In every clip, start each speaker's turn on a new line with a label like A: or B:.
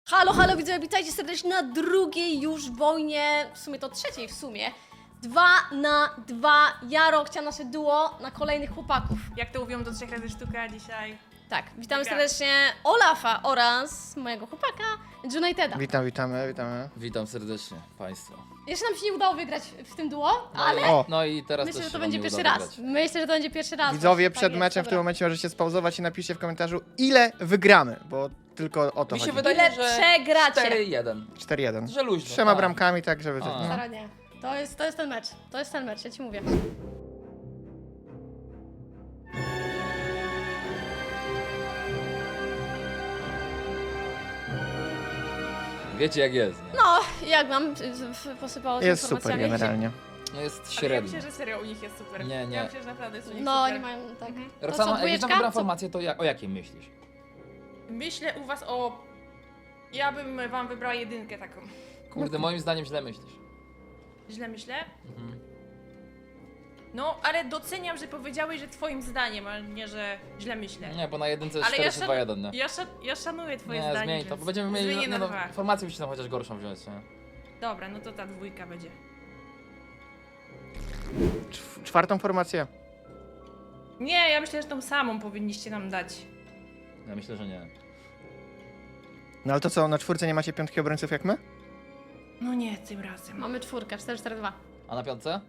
A: Halo, halo widzowie, witajcie serdecznie na drugiej już wojnie, w sumie to trzeciej w sumie. 2 na 2, ja, Rokcia, nasze duo na kolejnych chłopaków.
B: Jak to mówią, do 3 razy sztuka dzisiaj.
A: Tak, witamy
B: Mega.
A: serdecznie Olafa oraz mojego chłopaka, Juniteda.
C: Witamy.
D: Witam serdecznie Państwa.
A: Jeszcze nam się nie udało wygrać w tym duo, ale
C: O.
D: No i teraz
A: myślę,
D: też
A: że
D: się
A: to
D: wam
A: będzie
D: nie
A: pierwszy
D: uda
A: raz.
D: wygrać.
A: Myślę, że to będzie pierwszy raz.
C: Widzowie,
A: właśnie,
C: przed
A: tak
C: meczem
A: jest,
C: w tym momencie możecie spauzować i napiszcie w komentarzu, ile wygramy, bo tylko o to
D: Mi się
C: chodzi.
D: wydaje,
A: Ile
D: że
A: przegracie?
D: 4-1.
C: 4-1.
D: Że luźno.
C: 3
D: tak.
C: bramkami, tak żeby...
D: A.
C: No.
A: Staranie. To jest ten mecz. To jest ten mecz, ja ci mówię.
D: Wiecie jak jest, nie?
A: No, jak wam posypało się
C: Jest super
A: informacjami?
C: generalnie.
D: No jest
B: Ale ja
D: średnio.
B: myślę, że serio u nich jest super.
D: Nie, nie.
B: Ja myślę, że naprawdę jest u nich
A: No,
B: super.
A: nie mają, tak. To co,
D: Roxana, jak
A: dwójeczka?
D: wybrała
A: Co?
D: formację, to o jakiej myślisz?
B: Myślę u was o... Ja bym wam wybrała jedynkę taką.
D: Kurde, moim zdaniem źle myślisz.
B: Źle myślę?
D: Mhm.
B: No, ale doceniam, że powiedziałeś, że twoim zdaniem, a nie, że źle myślę.
D: Nie, bo na jedynce jest
B: Ale
D: 4
B: ja,
D: czy 2-1, nie?
B: ja szanuję twoje
D: Nie,
B: zdanie,
D: zmień to,
B: więc
D: bo będziemy mieli
B: zmienię na
D: no,
B: dwa.
D: formację musisz tam chociaż gorszą wziąć, nie?
B: Dobra, no to ta dwójka będzie.
C: Czwartą formację.
B: Nie, ja myślę, że tą samą powinniście nam dać.
D: Ja myślę, że nie.
C: No ale to co, na czwórce nie macie piątki obrońców jak my?
B: No nie, tym razem.
A: Mamy czwórkę, 4-4-2.
D: A na piątce?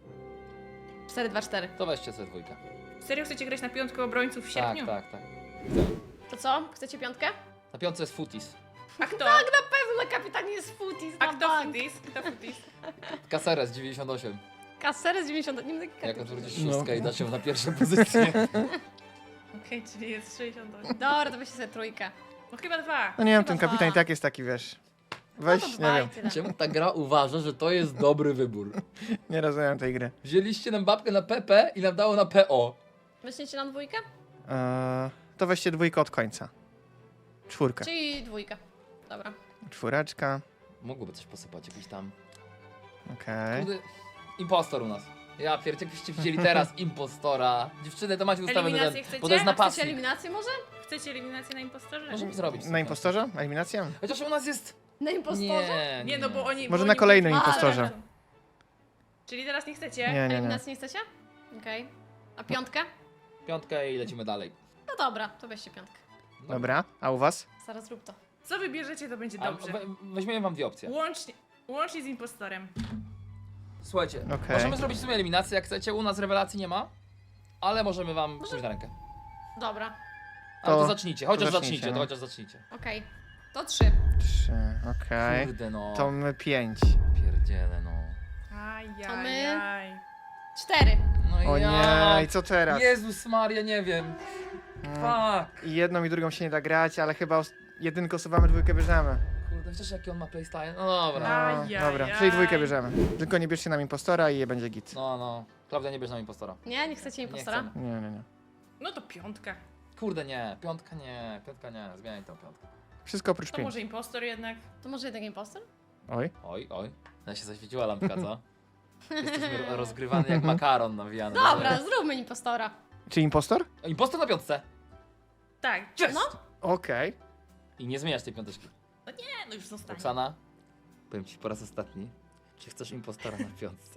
A: 4-2-4.
D: To weźcie sobie dwójkę.
B: Serio chcecie grać na piątkę obrońców w sierpniu?
D: Tak.
A: To co? Chcecie piątkę?
D: Na piątce jest Futis.
B: A kto?
A: Tak, na pewno na kapitanie jest Futis,
B: A
A: na
B: kto
A: bank.
B: Futis? Kto Futis?
D: Caceres 98.
A: Kaseres 90, nie będę
D: Jak
A: karty
D: odwrócisz
C: No.
D: szóstkę i dasz ją na pierwszą pozycję.
B: Okej, czyli jest 68.
A: Dobra, to weźcie sobie trójkę.
B: No chyba dwa.
C: No nie wiem,
A: Chyba
C: ten kapitan i
A: dwa.
C: tak jest taki, wiesz... Weź,
A: No to
C: nie
A: dwa i
C: wiem,
A: tyle.
D: Czemu ta gra uważa, że to jest dobry wybór?
C: nie rozumiem tej gry.
D: Wzięliście nam babkę na PP i nam dało na PO.
A: Weźmiecie nam dwójkę?
C: To weźcie dwójkę od końca. Czwórkę.
A: Czyli dwójkę. Dobra.
C: Czwóreczka.
D: Mogłoby coś posypać, jakiś tam...
C: Okej.
D: Kurde, impostor u nas. Ja pierdzie, jakbyście wzięli teraz impostora. Dziewczyny, to macie ustawiony
B: Eliminację
D: ten,
B: chcecie?
D: bo to jest
A: Chcecie
D: napastnik.
A: eliminację może?
B: Chcecie eliminację na impostorze?
D: Możemy zrobić.
C: Na impostorze? Eliminacja?
D: Chociaż u nas jest...
A: Na impostorze?
B: Nie, no bo oni...
C: Może
B: bo
C: na
B: oni
C: kolejnym
B: byli-
C: impostorze.
B: Czyli teraz nie chcecie?
C: Nie.
A: Eliminacji nie chcecie? Okej. A piątkę?
D: Piątkę i lecimy dalej.
A: No dobra, to weźcie piątkę.
C: Dobra, a u was?
A: Zaraz rób to.
B: Co wybierzecie, to będzie
D: A,
B: dobrze.
D: weźmiemy wam dwie opcje.
B: Łącznie z impostorem.
D: Słuchajcie,
C: Okej.
D: możemy zrobić w sumie eliminację, jak chcecie. U nas rewelacji nie ma, ale możemy wam pójść na rękę.
A: Dobra,
D: Ale to
C: To-
D: zacznijcie, chociaż
C: zacznijcie,
D: zacznijcie,
C: no.
D: to chociaż zacznijcie.
A: okej. To 3.
C: 3, okej.
D: Kurde no.
C: To my 5.
D: Pierdziele no.
A: To my-
B: Ajajaj.
A: 4.
D: No
C: O
D: ja...
C: nie, i co teraz?
D: Jezus Maria, nie wiem. Fuck.
C: I jedną i drugą się nie da grać, ale chyba jedynkę usuwamy, dwójkę bierzemy.
D: Kurde, wiesz jaki on ma playstyle? No dobra.
C: No, dobra, czyli dwójkę bierzemy. Tylko nie bierzcie nam impostora i je będzie git.
D: No. Klaudia, nie bierz nam impostora.
A: Nie, nie chcecie impostora?
D: chcemy.
C: Nie.
B: No to piątka.
D: Kurde nie, piątka nie, zmieniaj tą piątkę.
C: Wszystko oprócz
B: To
C: 5.
B: może impostor jednak.
A: To może jednak impostor?
C: Oj.
D: Oj. Ja się zaświeciła lampka, co? Jesteśmy rozgrywany jak makaron nawijany.
A: Dobra, zróbmy impostora.
C: Czy impostor?
D: Impostor na piątce!
B: Tak.
D: Jest!
A: No.
C: Okej.
D: I nie zmieniasz tej piąteczki.
B: Nie, no już zostanie.
D: Roxana, powiem ci po raz ostatni, czy chcesz impostora na piątce?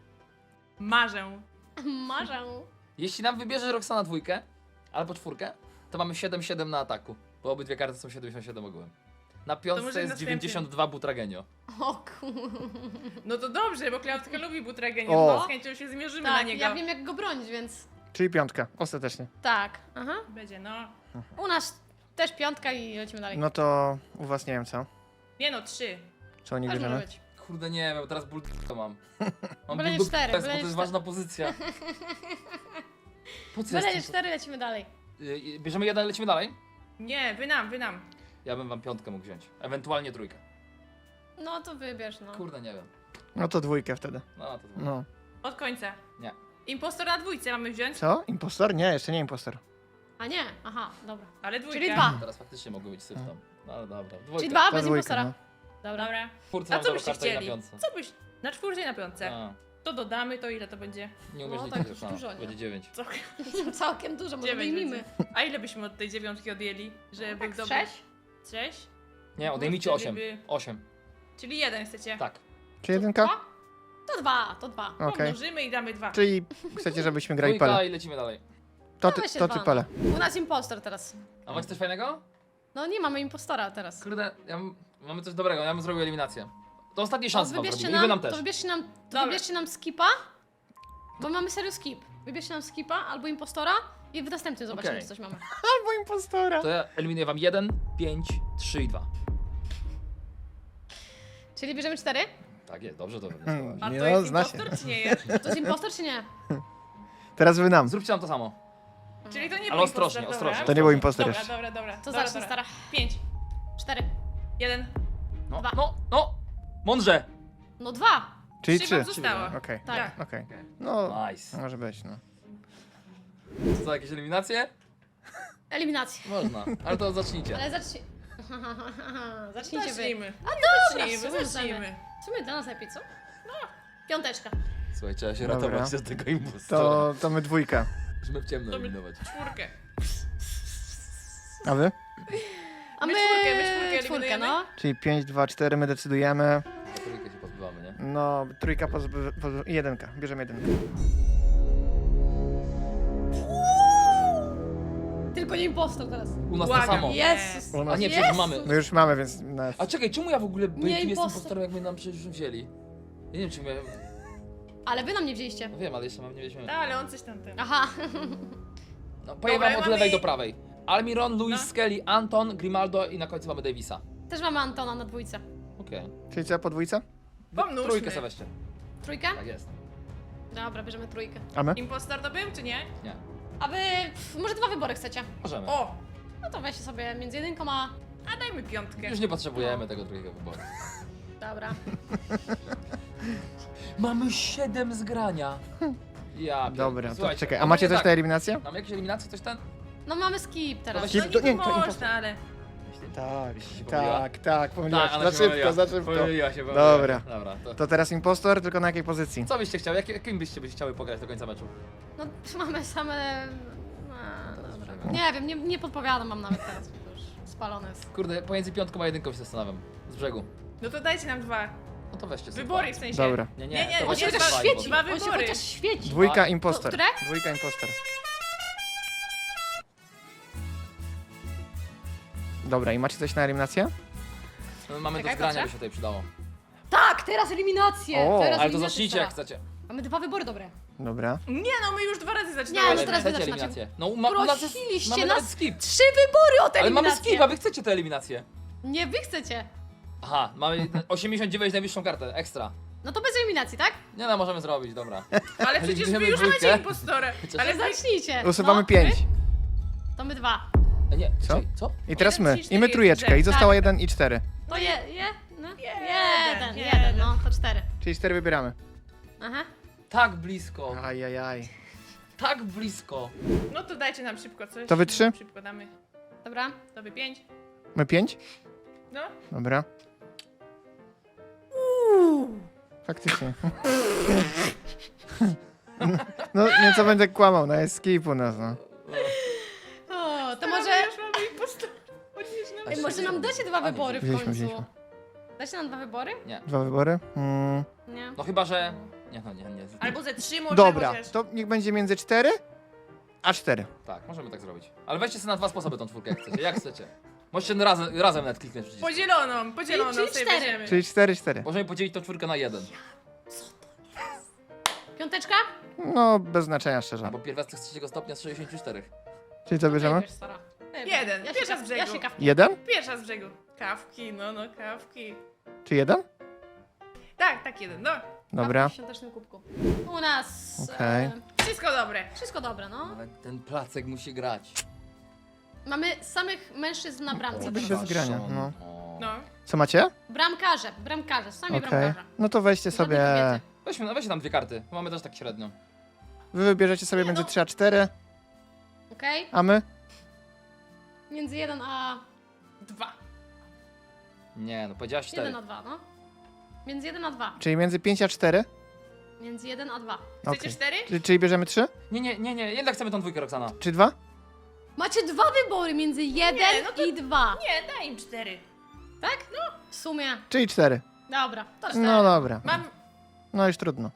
B: Marzę.
A: Marzę.
D: Jeśli nam wybierze Roxana dwójkę, albo czwórkę, to mamy 7-7 na ataku, bo obydwie karty są 77 ogółem. Na piątce
B: może
D: jest
B: następny.
D: 92 Butragenio.
A: O kur...
B: No to dobrze, bo Klautka lubi Butragenię,
C: O.
B: no z chęcią się zmierzymy na
A: Tak,
B: niego.
A: ja wiem jak go bronić, więc...
C: Czyli piątka, ostatecznie.
A: Tak, aha.
B: Będzie, no.
A: U nas też piątka i lecimy dalej.
C: No to u was nie wiem co.
B: Nie no, 3.
C: Co oni
A: Też może
C: bierzemy?
A: być.
D: Kurde nie wiem, teraz ból to mam. Mam
A: Byle nie
D: ból
A: cztery,
D: bo to
A: byle nie
D: jest
A: cztery.
D: ważna pozycja. Po co
A: Byle
D: jest
A: 4, lecimy dalej.
D: Bierzemy jeden, lecimy dalej?
B: Nie, wy nam.
D: Ja bym wam piątkę mógł wziąć, ewentualnie trójkę.
A: No to wybierz, no.
D: Kurde nie wiem.
C: No to dwójkę wtedy.
D: No to
C: No.
B: Od końca.
D: Nie.
B: Impostor na dwójce mamy wziąć,
C: Co? Impostor? Nie, jeszcze nie impostor.
A: A nie, aha, dobra.
B: ale dwójkę.
A: Czyli 2.
D: Teraz faktycznie mogły być syf tam. No ale dobra.
A: Czyli
D: Dwójka.
A: 2
C: To
A: bez
C: dwójka,
A: impostora.
C: no.
A: Dobra.
B: Dobra.
D: Czwórce
B: A
D: mam
B: co
D: dobrą
B: byście
D: kartę i na
B: chcieli?
D: piątce.
B: Co byś... Na czwórce i na piątce.
D: A,
B: To dodamy, to ile to będzie?
D: nie umiesz
A: No,
D: liczyć,
A: tak
D: Roxana.
A: dużo, nie?
D: Będzie 9.
B: Co?
A: Całkiem dużo, może
B: 9
A: wyjmijmy.
B: będzie. A ile byśmy od tej dziewiątki odjęli? Żeby
A: Tak,
B: był
A: z
B: dobry?
A: 6?
B: 6?
D: Nie, odejmijcie
B: No,
D: 8.
B: wtedy by-
D: 8.
B: Czyli 1 chcecie.
D: Tak.
C: Czy jedynka?
A: Dwa? To dwa, to dwa.
C: Okej.
B: Pomnożymy i damy 2.
C: Czyli chcecie, żebyśmy grali
D: Dwójka
C: pele.
D: i lecimy dalej.
C: To
A: Dawaj
C: ty,
A: się
C: to ty
A: dwa,
C: pele.
A: no. U nas impostor teraz.
D: A macie coś fajnego?
A: No nie mamy impostora teraz.
D: Kurde, mamy coś dobrego, ja bym zrobił eliminację. To ostatnie szanse wam
A: Wybierzcie
D: zrobimy. I wy nam
A: nam, to
D: też.
A: wybierzcie
B: Dobra.
A: nam skipa, bo mamy serio skip. Wybierzcie nam skipa albo impostora i w następnym zobaczymy,
D: Okej.
A: czy coś mamy.
C: Albo impostora.
D: To ja eliminuję wam 1, 5, 3 i 2.
A: Czyli bierzemy 4?
D: Tak jest, dobrze to wywnioskowałeś.
B: A
C: Nie
B: to
C: no,
B: jest
C: zna się.
B: impostor czy nie jest?
A: To jest impostor czy nie?
C: Teraz wy nam.
D: Zróbcie nam to samo.
B: Czyli to nie
D: Ale
B: był
D: ostrożnie,
B: impostor,
D: ostrożnie.
C: To nie był impostor
B: Dobra,
C: jeszcze.
B: dobra.
A: To
B: dobra,
A: zacznij, stara.
B: 5,
A: 4.
B: 1.
D: No,
A: Dwa.
D: no! Mądrze!
A: No 2.
C: Czyli
B: 3
C: 3.
B: wam zostało.
C: Okej,
A: Tak.
C: okej. No,
D: Nice.
C: może być, no.
D: Co, jakieś eliminacje?
A: Eliminacja.
D: Można, ale to zacznijcie.
A: Ale zacznij. Zacznijcie wy.
B: Zacznijmy.
A: Dobra,
B: Zacznijmy.
A: zacznijmy. W sumie dla nas lepiej, co? No. Piąteczka.
D: Słuchaj, trzeba się
C: Dobra.
D: ratować z tego impostora.
C: To my dwójka.
D: Musimy w ciemno
B: To my-
D: eliminować.
B: 4.
C: A wy?
A: A
B: My
A: my
B: czwórkę
A: czwórkę,
B: eliminujemy?
A: no.
C: Czyli 5, 2, 4 my decydujemy.
D: Na trójkę się pozbywamy, nie?
C: No, trójka i jedynka. Bierzemy jedynkę.
A: Tylko nie impostor teraz.
D: U nas to
B: Błagam.
D: samo.
A: Jezus.
C: U
D: A
C: nas...
D: nie, przecież
A: Jezus.
D: mamy.
C: My już mamy, więc... nas-
D: A czekaj, czemu ja w ogóle
A: Nie
D: jestem
A: impostor.
D: impostorem, jak my nam przecież już wzięli? Ja nie wiem, czy my...
A: Ale wy nam nie wzięliście.
D: No wiem, ale jeszcze mam nie weźmiemy.
B: Ale on coś tam ten.
A: Aha.
D: No, powiem wam od
B: mamy-
D: lewej do prawej. Almiron, Luis
B: No.
D: Skelly, Anton, Grimaldo i na końcu mamy Davisa.
A: Też mamy Antona na dwójce.
D: Okej.
C: Czyli co, po dwójce?
B: Pomnóżmy.
D: Trójkę sobie weźcie.
A: Trójkę?
D: Tak jest.
A: Dobra, bierzemy trójkę.
C: A my?
B: Impostor to był, czy nie?
D: Nie.
A: A wy może dwa wybory chcecie?
D: Możemy.
B: O!
A: No to weźcie sobie między jedynką a...
B: A dajmy 5.
D: Już nie potrzebujemy tego drugiego wyboru.
A: Dobra.
D: Mamy 7 zgrania. Ja pier-
C: Dobra, to
D: Słuchajcie,
C: czekaj. A
D: ogólnie
C: macie też
D: tak,
C: te eliminacje?
D: Mamy jakieś eliminacje, coś ten?
A: No mamy skip teraz.
C: weźcie-
B: No
C: to
B: niby
C: nie, to impostor.
B: można, ale...
C: Tak,
D: Jeśli się pomyliła?
C: tak, pomyliłaś.
D: Tak,
C: Za
D: ona się
C: szybko,
D: pomyliła.
C: za szybko.
D: Pomyliła się,
C: Dobra.
D: Dobra, to...
C: To teraz impostor, tylko na jakiej pozycji?
D: Co byście chciały? Jakim byście chciały pograć do końca meczu?
A: No mamy same... A, dobra. Nie wiem, nie podpowiadam wam nawet teraz, bo to już spalone jest.
D: Kurde, pomiędzy piątką a jedynką się zastanawiam. Z brzegu.
B: No to dajcie nam 2.
D: No to weźcie sobie
B: Wybory w
D: dwa.
B: sensie.
C: Dobra.
D: Nie,
B: Nie,
D: to
B: nie,
A: On się
D: weźcie
A: chociaż
D: dwa
A: świeci!
D: wybory.
B: Dwa
A: On się
B: wybory.
A: chociaż świeci!
C: Dwójka
D: A,
C: impostor.
A: które?
C: Dwójka impostor. Dobra, i macie coś na eliminację?
D: No, mamy
A: Czekaj,
D: do zgrania,
A: patrzę.
D: by się tutaj przydało.
A: Tak, teraz eliminację!
C: O,
A: teraz
D: Ale to
A: eliminację
D: zacznijcie
A: stara.
D: jak chcecie.
A: Mamy dwa wybory dobre.
C: Dobra.
B: Nie no, my już 2 razy
A: Nie,
B: zaczynamy.
A: no
D: Ale
A: teraz
D: chcecie
A: wy zaczynacie.
D: eliminację. No, u nas jest,
A: Prosiliście
D: mamy
A: nas
D: nawet skip.
A: 3 wybory od
D: Ale mamy
A: eliminację!
D: skip, a wy chcecie tę eliminację.
A: Nie, wy chcecie.
D: Aha, mamy 89 najwyższą kartę, ekstra.
A: No to bez eliminacji, tak?
D: Nie no, możemy zrobić, dobra.
B: Ale przecież wy
D: Eliminujemy
B: już
D: dwójkę.
B: macie impostora. Ale
A: Zacznijcie.
C: Usuwamy
A: no,
C: 5.
A: wy? To my 2.
D: A nie,
C: Co?
D: czekaj, co?
C: I teraz
B: 1,
C: my.
B: 3,
C: I my
B: 4,
C: trójeczkę. I
B: tak.
C: zostało 1 i 4.
A: To no.
B: Jeden,
A: Jeden, no to 4.
C: Czyli 4 wybieramy.
A: Aha.
D: Tak blisko,
C: Ajajaj.
D: tak blisko.
B: No to dajcie nam szybko coś.
C: To wy 3?
B: Szybko damy.
A: Dobra.
B: To wy 5.
C: My 5?
B: No.
C: Dobra. Faktycznie. No nieco będę kłamał, no jest skip u nas, no.
A: O, to
B: Teraz
A: może...
B: już mamy impostora. Odnieś nam.
A: Ej, może nam dacie dwa
D: A, nie,
A: wybory w
C: wzięliśmy,
A: końcu.
C: wzięliśmy.
A: Dacie nam dwa wybory?
C: Dwa wybory?
A: Nie.
D: No chyba, że... Nie, no nie.
B: Albo ze 3 może
C: Dobra,
B: chociaż.
C: to niech będzie między 4 a 4.
D: Tak, możemy tak zrobić. Ale weźcie sobie na 2 sposoby tą czwórkę, jak chcecie, jak chcecie. Możecie razem nawet kliknąć przycisk.
B: Podzieloną
A: Czyli
B: sobie
A: 4.
B: weźmiemy.
C: Czyli 4.
D: Możemy podzielić tą czwórkę na 1.
A: Piąteczka?
C: No, bez znaczenia szczerze.
D: Albo pierwiastek z trzeciego stopnia z 64.
C: Czyli co bierzemy?
A: Wybierz, Sara.
B: Jeden.
A: Ja
B: Pierwsza
A: się
B: z brzegu.
A: Ja się kawki.
C: 1?
B: Pierwsza z brzegu. Kawki, no kawki.
C: Czy 1?
B: Tak, jeden, no.
C: Dobra.
A: Kawki w świątecznym kubku. U nas...
C: Okej.
B: Wszystko dobre.
A: wszystko dobre, no.
D: Ale ten placek musi grać.
A: Mamy samych mężczyzn na bramce.
C: To być
A: teraz.
C: bez grania,
D: Szaszon.
C: no.
D: O.
B: No.
C: Co macie?
A: Bramkarze, sami
C: Okej.
A: bramkarze.
C: No to weźcie
A: Żadnej
C: sobie...
A: kobiety.
D: Weźcie tam 2 karty, bo mamy też tak średnio.
C: Wy wybierzecie sobie
A: Nie,
C: między
A: no.
C: 3 a 4,
A: Okej?
C: a my?
A: Między 1 a...
B: 2.
D: Nie, no powiedziałaś 4.
A: 1 a 2, no. Między 1 a 2.
C: Czyli między 5 a 4?
A: Między 1 a 2.
B: Chcecie
C: Okej.
B: 4?
C: Czyli bierzemy 3?
D: Nie, jednak chcemy tą dwójkę, Roxana.
C: Czy 2?
A: Macie dwa wybory między 1
B: Nie, no to-
A: i 2.
B: Nie, daj im 4.
A: Tak? No. W sumie.
C: Czyli 4.
A: Dobra, to 4.
C: No dobra.
B: Mam...
C: No już trudno.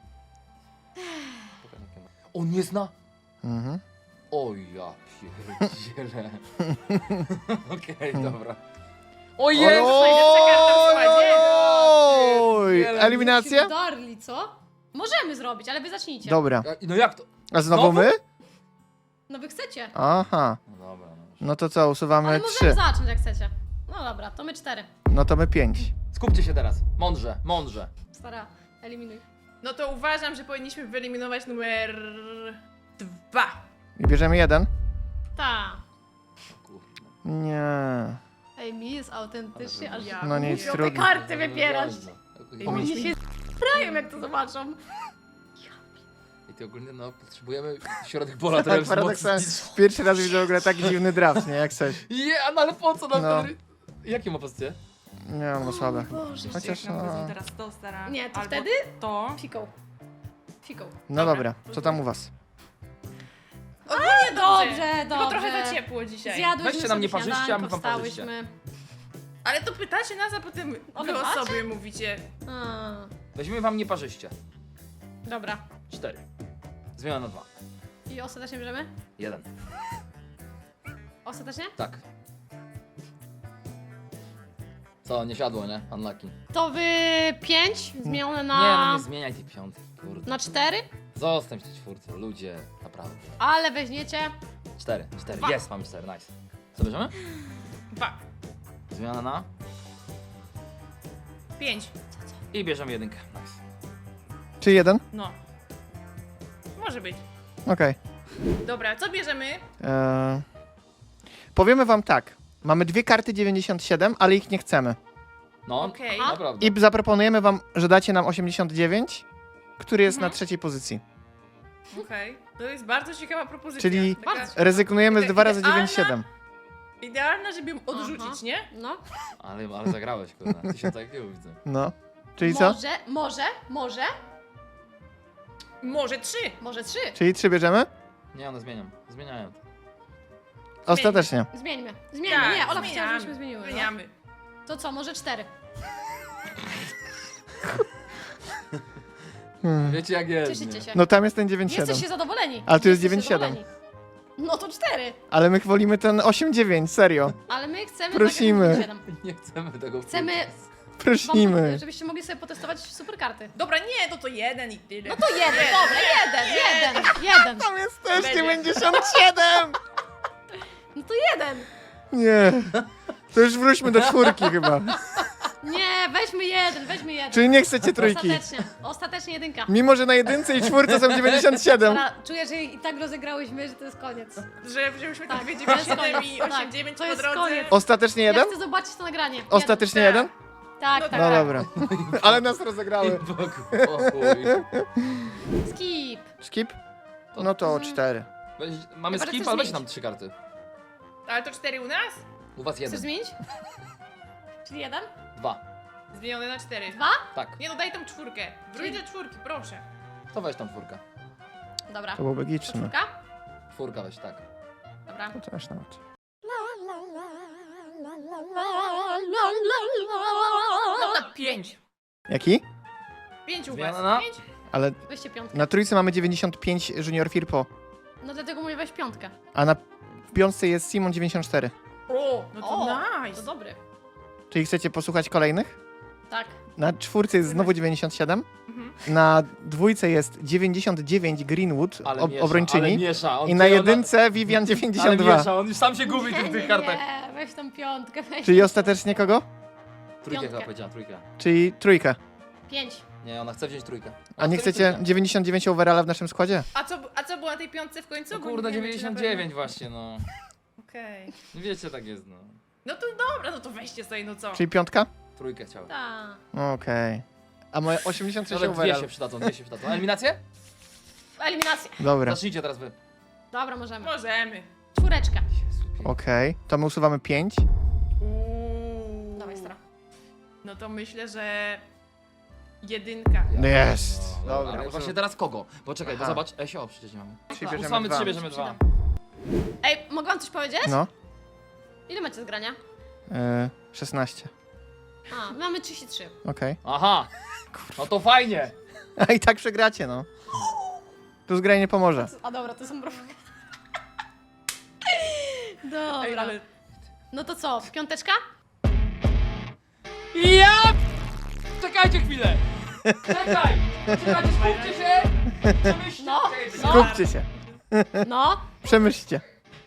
D: On nie zna?
C: Mhm.
D: O ja pierdzielę. Okej, dobra. O jest!
B: najlepsza karta w składzie.
C: Oj, eliminacja?
A: Darli, co? Możemy zrobić, ale wy zacznijcie.
C: Dobra.
D: No jak to?
C: A znowu
D: Znowu?
C: my?
A: No wy chcecie.
C: Aha.
D: No dobra, no.
C: No to co, usuwamy
A: Ale
C: 3.
A: możemy zacząć jak chcecie. No dobra, to my 4.
C: No to my 5.
D: Skupcie się teraz. Mądrze, mądrze.
A: Stara, eliminuj.
B: No to uważam, że powinniśmy wyeliminować numer 2.
C: I bierzemy 1?
A: Ta.
D: Kurde.
C: Nie.
A: Ej, mi jest autentycznie, aż
B: Ja
C: No nic,
A: mówię, te
C: trudno.
A: karty wybierasz.
B: Ej,
A: Oni
B: myśmy-
A: się sprają, jak to zobaczą.
D: I ty ogólnie no potrzebujemy środek pola
C: Tak,
D: trochę
C: paradoksalnie.
D: wzmocnić.
C: Pierwszy raz widzę w ogóle taki dziwny draft, nie? Jak coś.
D: No ale po co nam
C: No.
D: ten... Jakie ma pozycje?
C: Nie, no słabe.
A: Boże.
C: Chociaż
B: Jak nam
C: no...
B: powiedzą teraz to, stara.
A: Nie, to
B: albo
A: wtedy?
B: To.
A: Fiką. Fiką.
C: No
B: Dobra.
C: dobra, co tam u was?
B: Ogólnie
A: Dobrze,
B: Tylko
A: dobrze.
B: trochę za ciepło dzisiaj.
A: Zjadłyśmy
D: Weźcie na mnie
A: sobie
D: parzyście, a my
A: śniadanko,
D: wam parzyście.
A: wstałyśmy.
B: Ale to pytacie nas, a potem
A: O,
B: wy o
A: wybacie?
B: sobie mówicie.
A: A,
D: Weźmiemy wam nieparzyście.
A: dobra.
D: 4. Zmiana na 2.
A: I ostatecznie bierzemy?
D: 1.
A: Ostatecznie?
D: Tak. Co, nie siadło, nie? Unlucky.
A: To wy 5 zmienione
D: Nie, no
A: na...
D: nie zmieniaj tej piątki, kurde.
A: na 4,
D: Zostań w tej czwórce, ludzie, naprawdę.
A: ale weźmiecie...
D: 4.
A: Dwa.
D: Jest, mamy 4, nice. Co bierzemy?
B: 2.
D: Zmiana na...
B: 5.
D: I bierzemy 1. Nice.
C: Czy 1?
B: No. Może być.
C: Okej.
B: Dobra, co bierzemy?
C: Powiemy wam tak. Mamy 2 karty 97, ale ich nie chcemy.
D: No,
B: Okej.
D: naprawdę.
C: I zaproponujemy wam, że dacie nam 89, który jest na 3. pozycji.
B: Okej. To jest bardzo ciekawa propozycja.
C: Czyli
B: Taka
C: rezygnujemy z 2 razy
B: Idealna.
C: 97.
B: idealna, żeby ją odrzucić,
A: Aha.
B: nie?
A: No.
D: Ale zagrałeś, kurde. 1000 IQ widzę.
C: No. Czyli co?
A: Może,
B: Może 3.
A: może 3.
C: Czyli 3 bierzemy?
D: Nie, one zmieniam. Zmieniają to.
C: Ostatecznie.
A: Zmieńmy.
B: Tak,
A: Nie, Ola chciała,
B: zmieniamy.
A: żebyśmy zmieniły. No.
B: Zmieniamy.
A: To co, może 4?
D: Wiecie jak jest.
A: Cieszycie
D: nie?
A: się.
C: No tam jest ten 97.
A: Jesteście zadowoleni.
C: Ale tu jest
A: Jesteście
C: 97.
A: zadowoleni. No to 4.
C: Ale my wolimy ten 8-9, serio.
A: Ale my chcemy...
C: Prosimy.
A: tak jak 7.
D: Nie chcemy tego.
A: Chcemy
C: Prosimy.
A: wam, żebyście mogli sobie potestować super karty.
B: Dobra, nie, no to 1 i tyle.
A: No to 1, dobra, 1.
C: Tam jest też
B: Będzie.
C: 97!
A: No to 1.
C: Nie. To już wróćmy do 4 chyba.
A: Nie, weźmy 1.
C: Czyli nie chcecie trójki.
A: Ostatecznie 1.
C: Mimo, że na 1 i 4 są 97.
A: Dobra, czuję, że i tak rozegrałyśmy, że to jest koniec.
B: Że wzięłyśmy
A: Tak,
B: tak, 2,
A: to jest
B: 9, 7
A: koniec.
B: i
A: Tak,
B: 8, 9
A: to
B: po
A: jest
B: drodze.
A: koniec.
C: Ostatecznie
A: Ja
C: 1?
A: chcę zobaczyć to nagranie.
C: Ostatecznie
B: Tak.
C: 1?
A: Tak,
B: No
A: tak.
C: No
B: tak.
C: dobra. Ale nas rozegrały.
D: Pokój.
A: Skip.
C: Skip? No to 4.
D: Mamy
A: Chyba, że
D: skip,
A: chcesz
D: ale weź
A: zmienić.
D: nam 3 karty.
B: Ale to 4 u nas?
D: U was
A: Chcesz
D: 1.
A: zmienić? Czyli 1?
D: 2.
B: Zmienione na 4.
A: 2?
D: Tak.
B: Nie no, daj tą 4. Wróć do 4, proszę.
D: To weź tam 4.
A: Dobra.
C: To byłoby logiczne.
A: Czwórka?
D: 4 weź, tak.
A: Dobra.
C: To też nawet.
B: Dobra, 5.
C: Jaki?
B: 5 u
D: Zmiana
B: was.
D: na-
B: 5?
C: Ale
A: Weźcie piątkę.
C: na trójce mamy 95 Junior Firpo,
A: No dlatego mówię weź piątkę.
C: a na piątce jest Simon 94.
B: O, no to
A: O,
B: nice.
A: To dobry.
C: Czyli chcecie posłuchać kolejnych?
A: Tak.
C: Na 4 jest znowu 97.
B: Mhm.
C: Na 2 jest 99 Greenwood,
D: Ale miesza, ale
C: obrończyni.
D: miesza. On
C: I na
D: ty-
C: 1 Vivian
D: Ale
C: 92.
D: miesza, on już sam się gubi w tych kartach.
A: Nie, weź tą piątkę. Weź
C: Czyli
A: tą
C: ostatecznie kogo?
D: Trójkę
A: Piątkę.
D: chyba powiedziała, trójkę.
C: Czyli trójkę.
A: 5.
D: Nie, ona chce wziąć trójkę.
C: A nie chcecie 99 overalla w naszym składzie?
B: A co było na tej piątce w końcu?
D: No
B: Bo
D: kurde,
B: nie wiemy, czy na
D: 99 właśnie, no.
B: pewno- Okej.
D: Wiecie, tak jest, no.
B: No to dobra, no to weźcie sobie, no co?
C: Czyli piątka?
D: Trójkę chciałem.
A: Tak.
C: Okej. A moje 86
D: Nawet dwie
C: overall.
D: się przydadzą, dwie się przydadzą. Eliminację?
A: Eliminacja.
C: Dobra,
D: Zacznijcie teraz wy.
A: Dobra, możemy.
B: Możemy.
A: 4.
D: Jezu, pięknie.
C: okej. To my usuwamy 5.
B: Uuu.
A: Dawaj, stara.
B: No to myślę, że 1.
C: Jest.
D: No,
C: Dobra,
D: ale
C: usuwam.
D: właśnie teraz kogo? Bo czekaj, bo
C: Aha.
D: zobacz, Esio przecież nie mamy.
C: Czyli bierzemy
D: Usłamy
C: dwa.
D: 3, bierzemy 2.
A: Ej, mogę wam coś powiedzieć?
C: No.
A: Ile macie zgrania?
C: 16.
A: A, mamy 33.
C: Okej.
D: Aha! No to fajnie!
C: A i tak przegracie, no. Tu zgranie nie pomoże.
A: A dobra, to są prowokacje. Dobra.
B: Ej, ale...
A: No to co, piąteczka?
D: Ja! Czekajcie chwilę! Czekaj! Czekajcie, skupcie się! Przemyślcie!
A: No,
D: Czekajcie,
A: no.
C: Skupcie się.
A: No.
C: Przemyślcie.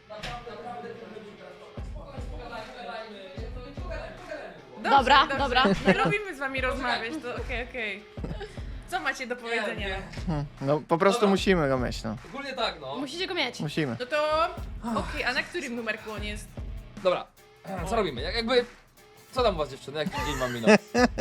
A: Dobra, dobra.
B: Nie lubimy z wami rozmawiać, to okej. Co macie do powiedzenia?
C: No po prostu musimy go mieć, no.
D: Ogólnie tak, no.
A: Musicie go mieć.
C: Musimy.
B: No to... Okej, a na którym numerku on jest?
D: Dobra, co robimy? Jakby... Co tam u was dziewczyny? Jaki dzień mam minąć?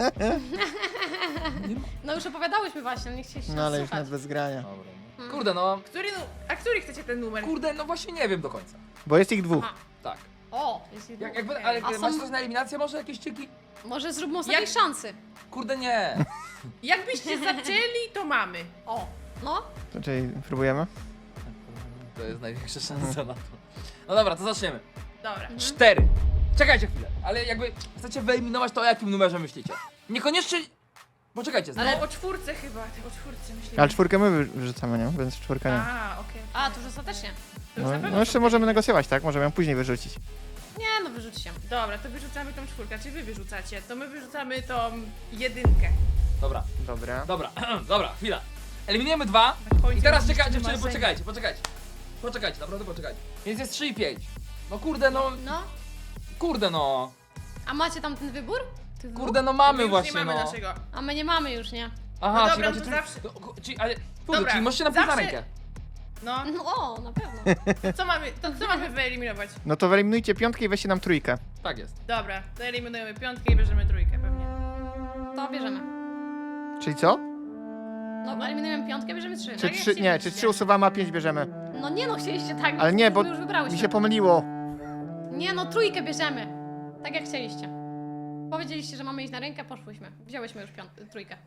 A: No już opowiadałyśmy właśnie, nie chcieliście
C: No ale
A: nas
C: już
A: słuchać.
C: nawet bez grania.
D: Dobra, no. Kurde, no...
B: A który chcecie ten numer?
D: Kurde, no właśnie nie wiem do końca.
C: Bo jest ich dwóch.
A: Aha.
D: Tak.
A: O, jest jedno.
D: Jakby,
B: Okej.
D: ale
A: A są-
D: macie coś na eliminację może? Jakieś czyki?
A: Może zróbmy ostatniej
B: Jak-
A: szansy.
D: Kurde, nie.
B: Jakbyście zaczęli, to mamy.
A: O, no.
C: To czyli próbujemy?
D: To jest największa szansa na to. No dobra, to zaczniemy.
B: Dobra.
D: 4. Czekajcie chwilę, ale jakby chcecie wyeliminować to, o jakim numerze myślicie. Niekoniecznie... Poczekajcie,
B: Ale
D: znowu.
B: o czwórce chyba, o czwórce myślimy.
C: Ale czwórkę my wyrzucamy, nie? Więc czwórka nie.
B: A, okej.
A: A, to już ostatecznie.
B: To już
C: No,
B: na pewno
C: no jeszcze możemy negocjować, tak? Możemy ją później wyrzucić.
A: Nie, no wyrzućcie.
B: Dobra, to wyrzucamy tą czwórkę, czy wy wyrzucacie? To my wyrzucamy tą jedynkę.
D: Dobra,
C: Dobra.
D: dobra, dobra, chwila. Eliminujemy 2.
B: Na końcu
D: I teraz
B: jakieś
D: czekajcie, dziewczyny,
B: marzenie.
D: poczekajcie, poczekajcie. Poczekajcie, naprawdę poczekajcie. Więc jest 3 i 5. No kurde, no,
A: No.
D: kurde no.
A: A macie tam ten wybór? Tych dwóch?
D: Kurde, no
B: My
D: mamy
B: już
D: właśnie,
B: nie mamy
D: no.
B: naszego.
A: A my nie mamy już, nie?
D: Aha,
B: No
D: czyli
B: dobra,
D: macie
B: to
D: tu...
B: zawsze-
D: Czyli, ale... Kurde,
B: Dobra,
D: czyli możecie napisać na
B: zawsze-
D: rękę.
B: No,
A: No o, na pewno.
B: co mamy wyeliminować?
C: No to wyeliminujcie piątkę i weźcie nam trójkę.
D: Tak jest.
B: Dobra, to eliminujemy piątkę i bierzemy trójkę pewnie.
A: To bierzemy.
C: Czyli co?
A: No, eliminujemy piątkę, bierzemy 3.
C: Czy
B: jak
C: trzy,
B: się
C: nie,
B: myśli?
C: czy 3 usuwamy, a 5 bierzemy?
A: No nie no, chcieliście tak.
C: Ale nie, bo
A: my już wybrałyśmy.
C: mi się pomyliło.
A: Nie no, trójkę bierzemy. Tak jak chcieliście. Powiedzieliście, że mamy iść na rękę, poszłyśmy. Wzięłyśmy już trójkę.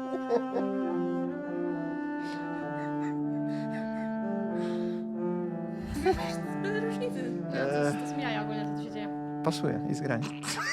B: Bez różnicy.
A: No, to jest jaja ogólnie, co tu się dzieje.
C: Pasuje i zgranie.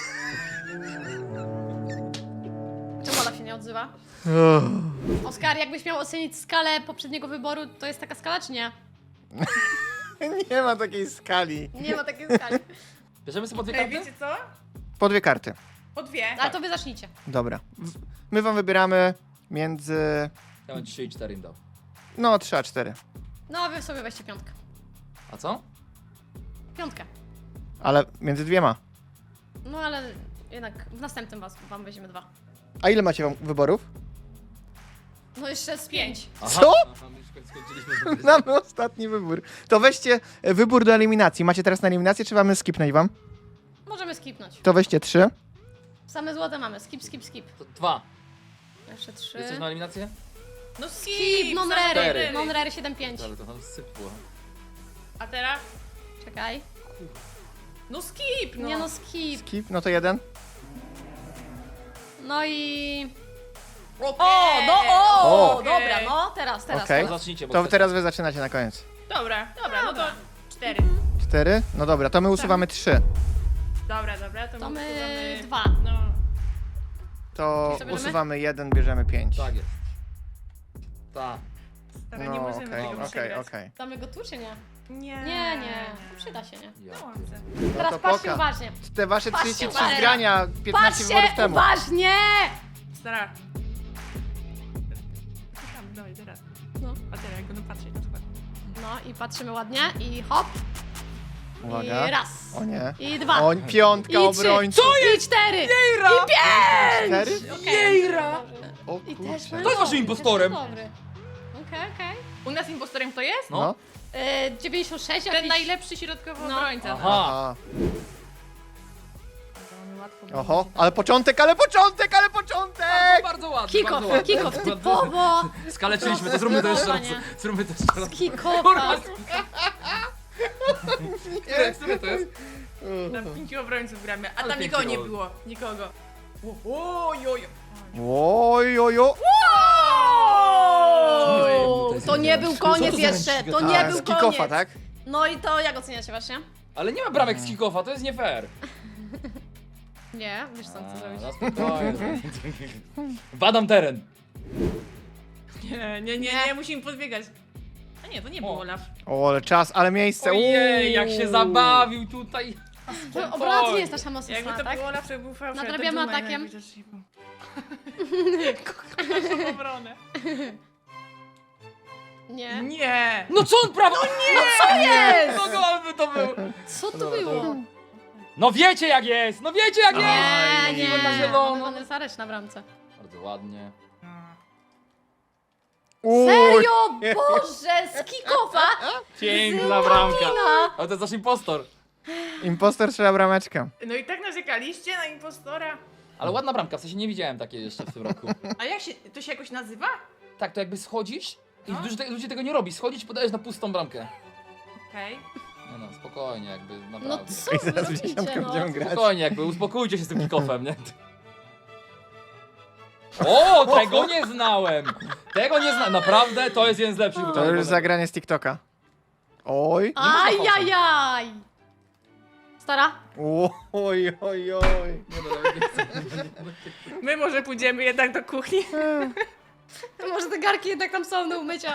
A: Czemu Olaf się nie odzywa? Oskar, jakbyś miał ocenić skalę poprzedniego wyboru, to jest taka skala, czy nie?
C: Nie ma takiej skali.
A: Nie ma takiej skali.
D: Bierzemy sobie po 2
B: Ej,
D: karty?
B: wiecie co?
C: Po 2 karty.
B: Po dwie.
A: Ale to wy zacznijcie.
C: Dobra. My wam wybieramy między...
D: Ja bym 3 i 4 im dał.
C: No, 3 a 4.
A: No, wy sobie weźcie piątkę.
D: A co?
A: Piątkę.
C: Ale między dwiema.
A: No ale jednak w następnym wam weźmiemy 2.
C: A ile macie wam wyborów?
A: No jeszcze z 5.
C: Co?
D: Aha, my już skończyliśmy.
C: Mamy ostatni wybór. To weźcie wybór do eliminacji. Macie teraz na eliminację, czy mamy skipnąć wam?
A: Możemy skipnąć.
C: To weźcie 3.
A: Same złote mamy. Skip, skip, skip.
D: To 2.
A: Jeszcze 3.
D: Jesteś na eliminację?
B: No
A: Skip,
B: skip!
A: non-rery.
D: Cztery.
A: Non-rery 7-5.
D: Ale to tam sypło.
B: A teraz?
A: Czekaj.
B: No skip! No.
A: Nie no, skip.
C: Skip, no to 1.
A: No i...
B: Okej.
A: O, no o!
C: O.
A: Dobra, no teraz,
C: Okej.
D: To
A: teraz.
D: zacznijcie, bo
C: To
D: chcecie.
C: teraz wy zaczynacie na koniec.
B: Dobra, no to 4.
C: 4? No dobra, to my usuwamy 3.
B: Dobra,
A: To my
B: usuwamy-
A: 2.
B: No.
C: To
A: Co bierzemy?
C: usuwamy 1, bierzemy 5.
D: Tak jest. Tak.
B: Stara,
C: No
B: nie możemy
C: okej,
B: tego
C: okej,
B: przegrać.
C: okej.
A: Damy go tu, czy nie?
B: Nie.
A: Nie. Przyda się, nie?
D: Ja
B: No,
D: pierdolę.
C: No
A: Teraz
C: to
A: patrzcie
C: poka.
A: uważnie.
C: Te wasze
A: Patrzcie
C: 33
A: uważnie.
C: zgrania 15 wyborów
A: Patrzcie
C: temu.
A: uważnie!
B: Stara. Słucham, dawaj, teraz.
A: No.
B: A teraz jak będę patrzeć na przykład.
A: No i patrzymy ładnie i hop.
C: Uwaga.
A: I raz.
C: O nie.
A: I 2.
C: O, piątka
A: I 3.
C: obrońców.
A: I 4.
B: Jejra!
C: 4?
B: Jejra!
C: O
A: I też
C: kurczę.
A: mamy
D: Kto jest waszym
A: dobry,
D: impostorem?
A: też dobry. Okej.
B: U nas impostorem kto jest?
D: No.
C: No.
A: 96
B: Ten
A: jakiś...
B: najlepszy środkowy
A: No.
B: obrońca.
D: Aha.
C: Aha.
B: Łatwo
C: Oho, ale początek, ale początek, ale początek!
D: Bardzo ładnie,
A: Kick-off,
D: bardzo ładnie.
A: kick-off, typowo!
D: Skaleczyliśmy, to zróbmy to jeszcze raz.
A: Zdecydowanie.
D: Zróbmy to jeszcze raz.
A: Kick-offa.
D: Które to jest?
B: Na 5 obrońców gramy, a
D: Ale
B: tam nikogo nie
D: pięknie
B: było. Nikogo. Ojojo.
C: Oj, oj, oj.
A: To nie był koniec jeszcze, to nie
C: A,
A: był
C: z kick-offa,
A: koniec.
C: tak?
A: No i to jak oceniacie właśnie?
D: Ale nie ma bramek z kickofa, to jest nie fair.
A: Nie, wiesz co chcę zrobić.
D: No spokojnie. Badam teren.
B: Nie, musimy podbiegać. A nie, to nie był
D: O.
B: Olaf.
C: O, ale czas, ale miejsce.
D: Ojej, jak się
C: Uuu.
D: zabawił tutaj.
A: Obrona to nie jest nasza
B: Jakby
A: mocna,
B: to
A: tak?
B: był Olaf, to był fałszywy.
A: Nadrabiamy atakiem.
B: Kocham obronę.
A: Nie.
B: Nie!
D: No co on prawo? No
A: Co jest?
D: Kogo by to był?
A: Co to
C: Dobra, to
A: było?
D: No wiecie jak jest! No wiecie jak jest!
A: Nie, nie.
D: Na zielono.
A: Vanessa Resz na bramce.
D: Bardzo ładnie.
C: Uuu,
A: Serio? Boże, z kickofa?
D: Piękna bramka.
A: Złamina.
D: Ale to jest nasz impostor.
C: Impostor strzela brameczkę.
B: No i tak narzekaliście na impostora.
D: Ale ładna bramka, w sensie nie widziałem takiej jeszcze w tym roku.
B: A jak się, to się jakoś nazywa?
D: Tak, to jakby schodzisz i
B: No.
D: ludzie tego nie robi. Schodzisz, podajesz na pustą bramkę.
B: Okej.
D: Nie no, spokojnie, jakby
A: No
D: naprawdę.
A: co
C: I
A: wy
C: zaraz w
A: robicie,
C: dziesiątkę
A: no?
C: będziemy grać.
D: Spokojnie, jakby uspokójcie się z tym kick-offem, nie? O, tego nie znałem! Tego nie znałem, naprawdę to jest jeden z lepszych.
C: To
D: wykonów.
C: już zagranie z TikToka. Oj.
A: Ajajaj! Stara?
C: Oj, oj, oj.
D: Nie, no, nawet nie chcę.
B: My może pójdziemy jednak do kuchni.
A: Może te garki jednak tam są do umycia.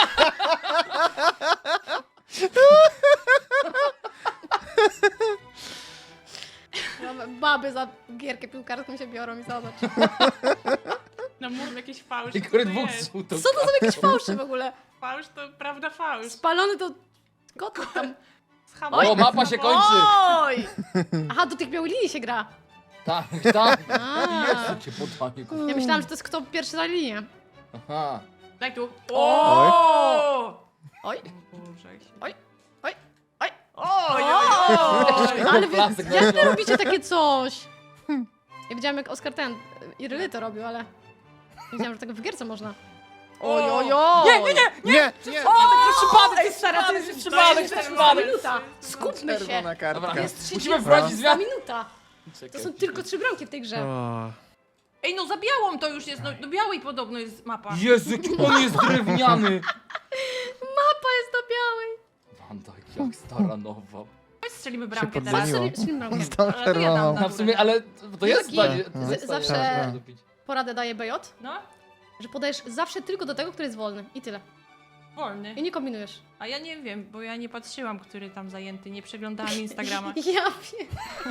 A: Baby za gierkę piłkarską się biorą i zobacz.
B: No mów jakiś fałsz.
D: I
B: co
D: który
B: to
D: dwóch
B: jest?
D: żółtą.
A: Co to za jakieś fałsze w ogóle?
B: Fałsz to prawda fałsz.
A: Spalony to... Gotów tam.
D: O, mapa się kończy!
B: Oj!
A: Aha, do tych białych linii się gra.
D: Tak, tak.
A: A.
D: Jezu, cię podanie.
A: Ja myślałam, że to jest kto pierwszy za linię.
D: Aha.
B: Daj tu.
C: Oj.
A: Oj,
B: Boże, jak się-
A: oj, oj, oj.
B: Oj,
A: O! Ale wy,
D: Plasek
A: jak wy
D: leciał.
A: robicie takie coś? Ja widziałam jak Oskar ten, Iryly to robił, ale... Nie wiedziałam, że tego w gierce można. Oj, oj, oj!
D: Nie, nie, nie!
C: Nie, nie.
D: Przypadek,
B: Ej, stara, to jest
D: przypadek,
B: to jest
D: przypadek.
A: Minuta! Skupmy się!
C: Czerwona kartka.
D: Dobra.
A: Jest 30
D: Musimy wprowadzić zmian.
A: minuta! To są tylko 3 bramki w tej grze.
C: O.
B: Ej, no za białą to już jest, no do białej podobno jest mapa.
D: Jezu, jaki on jest drewniany!
A: Mapa jest do białej!
D: Wanda, jak stara nowa.
B: Chodź strzelimy
C: Się
B: bramkę teraz.
C: podzwoniło.
A: Strzelił bramkę.
C: Z tą
B: Ale to ja dam
C: czerwoną.
B: na-
D: No w sumie, ale to jest
A: Wielki.
D: zdanie. to jest
A: Zawsze-
D: zdanie, żeby dopić.
A: Poradę daje BJ,
B: No,
A: że podajesz zawsze tylko do tego, który jest wolny. I tyle.
B: wolny.
A: I nie kombinujesz.
B: A ja nie wiem, bo ja nie patrzyłam, który tam zajęty, nie przeglądałam Instagrama.
A: Ja wiem.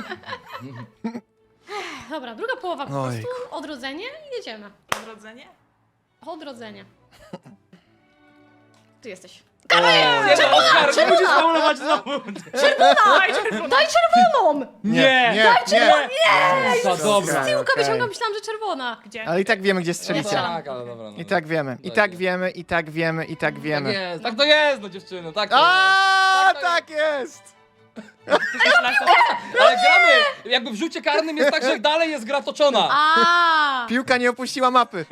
A: Dobra, druga połowa po
C: Ojku.
A: prostu. Odrodzenie i jedziemy.
B: Odrodzenie?
A: Odrodzenie. Ty jesteś.
D: Nie no, Oskar, nie musisz faulować znowu!
B: Daj czerwoną!
A: Daj czerwoną!
D: Nie!
C: nie.
D: To dobra.
A: Z tyłka
C: Okej.
A: wyciągam, myślałam, że czerwona.
B: Gdzie?
C: Ale i tak wiemy, gdzie
D: No
C: strzelicie.
D: tak, ale dobra. No.
C: I tak wiemy, i tak wiemy, i tak wiemy, i tak
D: Tak
C: wiemy.
D: jest, tak to jest, no dziewczyny, tak to jest.
C: A,
D: Tak,
C: tak jest!
D: Ale gramy! Jakby w rzucie karnym jest tak, że dalej jest gra toczona.
A: A.
C: Piłka nie opuściła mapy.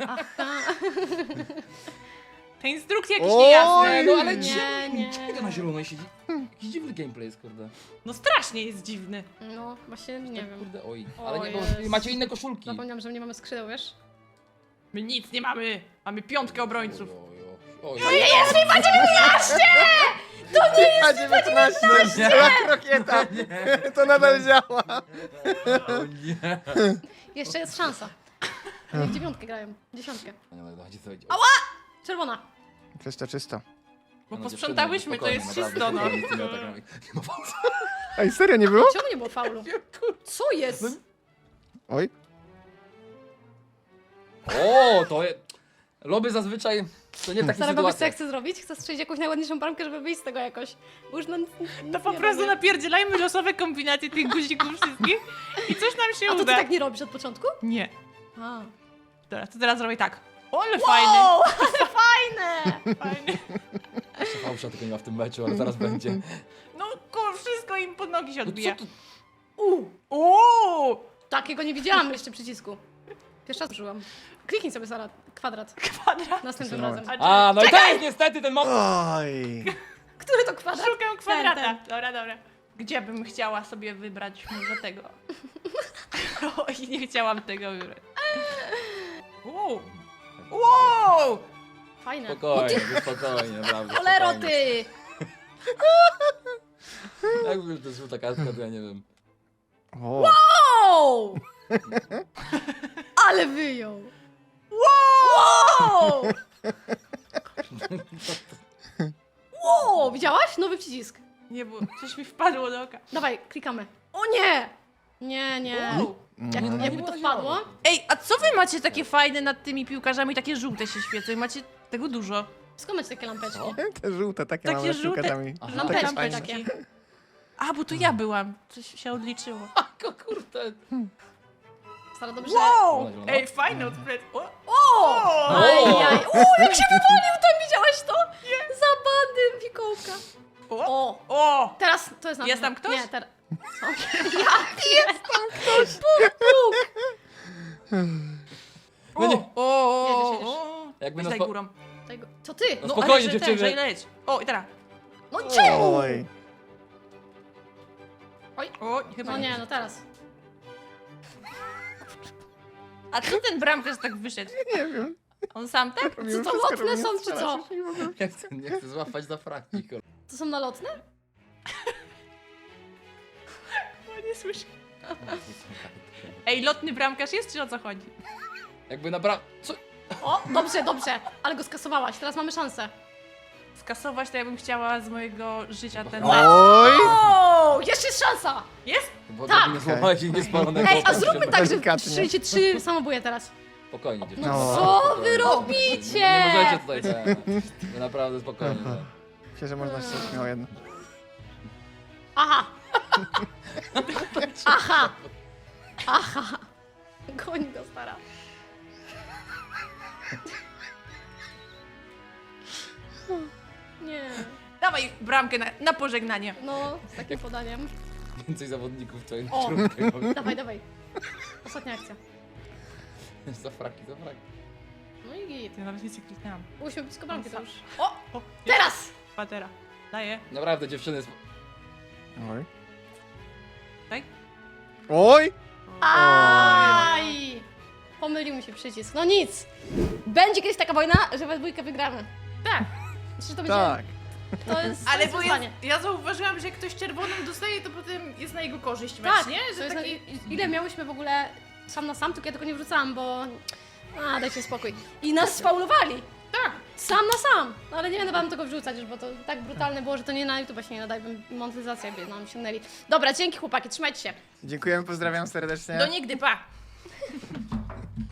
B: Te instrukcje jakieś
C: Oj.
B: niejasne.
D: No ale
A: Nie.
D: czemu to na zielonej siedzi? Jakiś dziwny gameplay jest, kurde.
B: No strasznie jest dziwny.
A: No, właśnie nie wiem.
D: Kurde, oj.
A: O
D: Ale nie, bo
A: Jezu.
D: macie inne koszulki.
A: Zapomniałam, że nie mamy skrzydeł, wiesz?
B: My nic nie mamy. Mamy piątkę obrońców.
D: Oj,
A: Nie jest FIFA 19!
C: A 19! Jak krokieta! To nadal działa.
D: O nie.
A: Jeszcze jest szansa. Ale w 9 grają. 10.
D: No, dajcie sobie.
A: Czerwona.
C: Czysto, czysto.
B: Bo
D: No,
B: posprzątałyśmy, to
D: dziewczyny,
B: jest
D: spokojnie,
B: czysto, no.
D: naprawdę, z tymi atakami. Nie ma pauzy.
C: Ej, serio nie było?
A: Czemu nie było faulu? Co jest?
C: Oj.
D: O, to jest... Loby zazwyczaj to nie w takich
A: Sara, bo wiesz co ja
D: sytuacjach.
A: chcę zrobić? Chcę strzelić jakąś najładniejszą bramkę, żeby wyjść z tego jakoś. Bo już nic
B: To po
A: nie
B: prostu
A: robię.
B: napierdzielajmy losowe kombinacje tych guzików wszystkich i coś nam się
A: A to ty
B: uda.
A: tak nie robisz od początku?
B: Nie.
A: A.
B: Dobra, to teraz zrobię tak. O, ale fajny.
A: Wow, fajne!
B: Fajny.
D: Jeszcze fałsza tylko nie ma w tym meczu, ale zaraz będzie.
B: No kur, wszystko im pod nogi się
D: No co
B: odbija.
D: tu?
B: Uuu!
A: Takiego nie widziałam jeszcze przycisku. Pierwszy raz użyłam. Kliknij sobie, Sara, kwadrat.
B: Kwadrat.
A: Następnym
C: Moment.
A: razem.
D: A, no i to jest niestety ten moment.
C: Oj.
A: Który to kwadrat?
B: Szukam kwadrata.
A: Ten.
B: Dobra, dobra. Gdzie bym chciała sobie wybrać może tego? Oj, nie chciałam tego wybrać. Wow! Wow!
A: Fajne.
D: Spokojnie, spokojnie, naprawdę.
A: Cholero
D: spokojnie.
A: ty!
D: Jak już to jest żółta kartka, to ja nie wiem.
C: O.
A: Wow! Ale wyjął! Wow! Wow! Widziałaś? Nowy przycisk.
B: Nie, bo coś mi wpadło do oka.
A: Dawaj, klikamy. O nie! Nie, nie.
B: Wow.
A: Jakby to wpadło?
B: Ej, a co wy macie takie fajne nad tymi piłkarzami? Takie żółte się świecą i macie tego dużo.
A: Skąd macie takie lampeczki?
C: Te żółte, takie
B: Takie
C: mamy z
B: żółte.
C: piłkarzami.
D: Aha.
A: Lampeczki
C: fajne.
A: takie.
B: A, bo to ja byłam. Coś się odliczyło.
D: Ako, kurde.
A: Stara, dobrze.
B: Wow!
D: Zielona.
B: Ej, fajny odplet. O!
A: O! Ajaj. O, jak się wywalił tam, widziałaś to? Za bandy Mikołka.
B: O!
A: O!
B: O!
A: Teraz to jest na
B: Jest tam ktoś?
A: Nie, teraz. Co? Ja jest tam ktoś! Puk, puk!
D: No nie.
B: O!
A: Jedziesz, jedziesz.
B: O!
D: Jakby
B: Weź
D: nas
B: daj
D: po...
B: górą.
A: Tego. Co ty?
D: No spokojnie,
B: ale że
D: dziewczyny.
B: Że leć. O, i teraz.
A: No czemu?
C: Oj.
B: O, chyba
A: No nie, no teraz.
B: A co ten bramkarz tak wyszedł?
C: Nie wiem.
B: On sam tak?
C: Robimy
A: to
C: wszystko,
A: lotne
C: żeby
A: są,
C: nie
A: czy
C: strzelać,
A: co?
C: już nie mogę.
D: Nie chcę złapać za fraki, kurde.
A: To są nalotne?
B: O, nie słyszę. Ej, lotny bramkarz jest, czy o co chodzi?
D: Jakby naprawdę... Co?
A: O, dobrze, dobrze. Ale go skasowałaś, teraz mamy szansę.
B: Skasować to ja bym chciała z mojego życia ten...
C: Oj!
A: O, jeszcze jest szansa!
B: Jest?
D: Bo
A: Tak.
D: nie złapałeś i nie spalonego.
A: Ej, a zróbmy tak, że
C: Delikatnie.
A: strzelicie 3 samobóje teraz.
D: Spokojnie, dziewczyny.
C: No.
A: Co wy
D: Spokojnie.
A: robicie?
D: Nie możecie tutaj tak. Wy naprawdę spokojnie. tak.
C: Myślę, że można strzelić miało jedno.
A: Aha! Aha! Aha! Goń go, stara. Nie.
B: Dawaj bramkę na pożegnanie.
A: No, z takim podaniem.
D: Więcej zawodników w twoim
A: O.
D: czubku.
A: Dawaj, dawaj. Ostatnia akcja.
D: Za fraki, za fraki.
A: No i git.
B: Ja nawet nic nie kliknęłam.
A: Byłyśmy blisko bramki to już.
B: O! O!
A: Teraz!
B: Patera. Daję.
D: Naprawdę, dziewczyny...
C: Oj.
B: Tak?
C: Oj!
A: Aj! Pomylił mi się przycisk. No nic! Będzie kiedyś taka wojna, że we dwójkę wygramy.
B: Tak.
A: Myślę, że to będzie...
C: Tak.
A: To jest
B: Ale
A: to
B: bo
A: jest
B: ja,
A: wyzwanie.
B: ja zauważyłam, że jak ktoś czerwonym dostaje, to potem jest na jego korzyść
A: Tak,
B: mecz, nie?
A: to
B: Że
A: jest
B: taki...
A: ile miałyśmy w ogóle sam na sam, tylko ja tego nie wrzucałam, bo... A, dajcie spokój. I nas sfaulowali.
B: Tak.
A: Sam na sam. No ale nie będę wam tego wrzucać już, bo to tak brutalne było, że to nie na YouTube się nie nadaje, bym monetyzację by nam sięgnęli. Dobra, dzięki chłopaki, trzymajcie się.
C: Dziękujemy, pozdrawiam serdecznie.
B: Do nigdy, pa!